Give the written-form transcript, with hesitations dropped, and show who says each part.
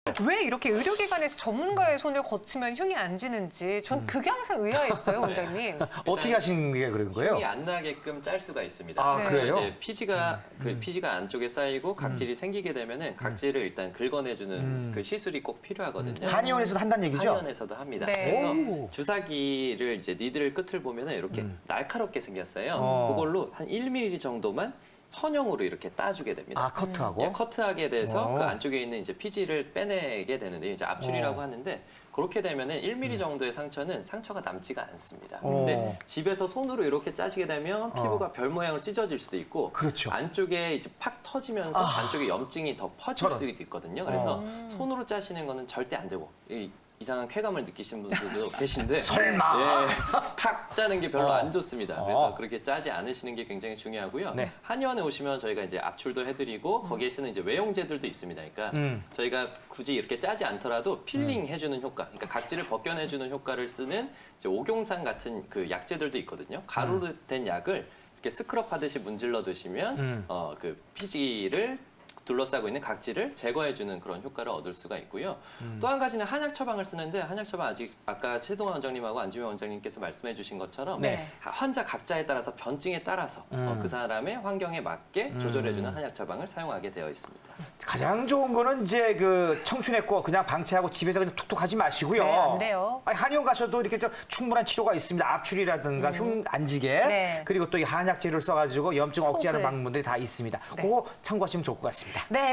Speaker 1: 왜 이렇게 의료기관에서 전문가의 손을 거치면 흉이 안 지는지 전 그게 항상 의아했어요, 원장님.
Speaker 2: 어떻게 하신 게 그런 거예요?
Speaker 3: 흉이 안 나게끔 짤 수가 있습니다.
Speaker 2: 아,
Speaker 1: 네.
Speaker 2: 그래요?
Speaker 3: 이제 피지가 피지가 안쪽에 쌓이고 각질이 생기게 되면은 각질을 일단 긁어내주는 그 시술이 꼭 필요하거든요.
Speaker 2: 한의원에서도 한다는 얘기죠?
Speaker 3: 한의원에서도 합니다.
Speaker 1: 네.
Speaker 3: 그래서
Speaker 2: 오.
Speaker 3: 주사기를 이제 니들 끝을 보면은 이렇게 날카롭게 생겼어요. 그걸로 한 1mm 정도만 선형으로 이렇게 따주게 됩니다.
Speaker 2: 아, 커트하고?
Speaker 3: 예, 커트하게 돼서
Speaker 2: 어.
Speaker 3: 그 안쪽에 있는 이제 피지를 빼내게 되는데 이제 압출이라고 하는데 그렇게 되면은 1mm 정도의 상처는 상처가 남지가 않습니다. 근데 집에서 손으로 이렇게 짜시게 되면 피부가 별 모양으로 찢어질 수도 있고
Speaker 2: 그렇죠.
Speaker 3: 안쪽에 이제 팍 터지면서 안쪽에 염증이 더 퍼질
Speaker 2: 저런.
Speaker 3: 수도 있거든요. 그래서 손으로 짜시는 거는 절대 안 되고 이상한 쾌감을 느끼시는 분들도 계신데
Speaker 2: 설마?
Speaker 3: 예, 팍 짜는 게 별로 안 좋습니다. 그래서 그렇게 짜지 않으시는 게 굉장히 중요하고요.
Speaker 2: 네.
Speaker 3: 한의원에 오시면 저희가 이제 압출도 해드리고 거기에 쓰는 이제 외용제들도 있습니다. 그러니까 저희가 굳이 이렇게 짜지 않더라도 필링 해주는 효과, 그러니까 각질을 벗겨내주는 효과를 쓰는 이제 옥용산 같은 그 약제들도 있거든요. 가루로 된 약을 이렇게 스크럽 하듯이 문질러 드시면 그 피지를 둘러싸고 있는 각질을 제거해주는 그런 효과를 얻을 수가 있고요. 또 한 가지는 한약 처방을 쓰는데 한약 처방 아직 아까 최동환 원장님하고 안주명 원장님께서 말씀해주신 것처럼
Speaker 1: 네.
Speaker 3: 환자 각자에 따라서 변증에 따라서 그 사람의 환경에 맞게 조절해주는 한약 처방을 사용하게 되어 있습니다.
Speaker 2: 가장 좋은 거는 이제 그 청춘했고 그냥 방치하고 집에서 그냥 툭툭 하지 마시고요.
Speaker 1: 네, 안 돼요.
Speaker 2: 아니, 한의원 가셔도 이렇게 좀 충분한 치료가 있습니다. 압출이라든가 흉 안 지게.
Speaker 1: 네.
Speaker 2: 그리고 또 이 한약재를 써가지고 염증 억제하는
Speaker 1: 속을.
Speaker 2: 방법들이 다 있습니다.
Speaker 1: 네.
Speaker 2: 그거 참고하시면 좋을 것 같습니다.
Speaker 1: 네.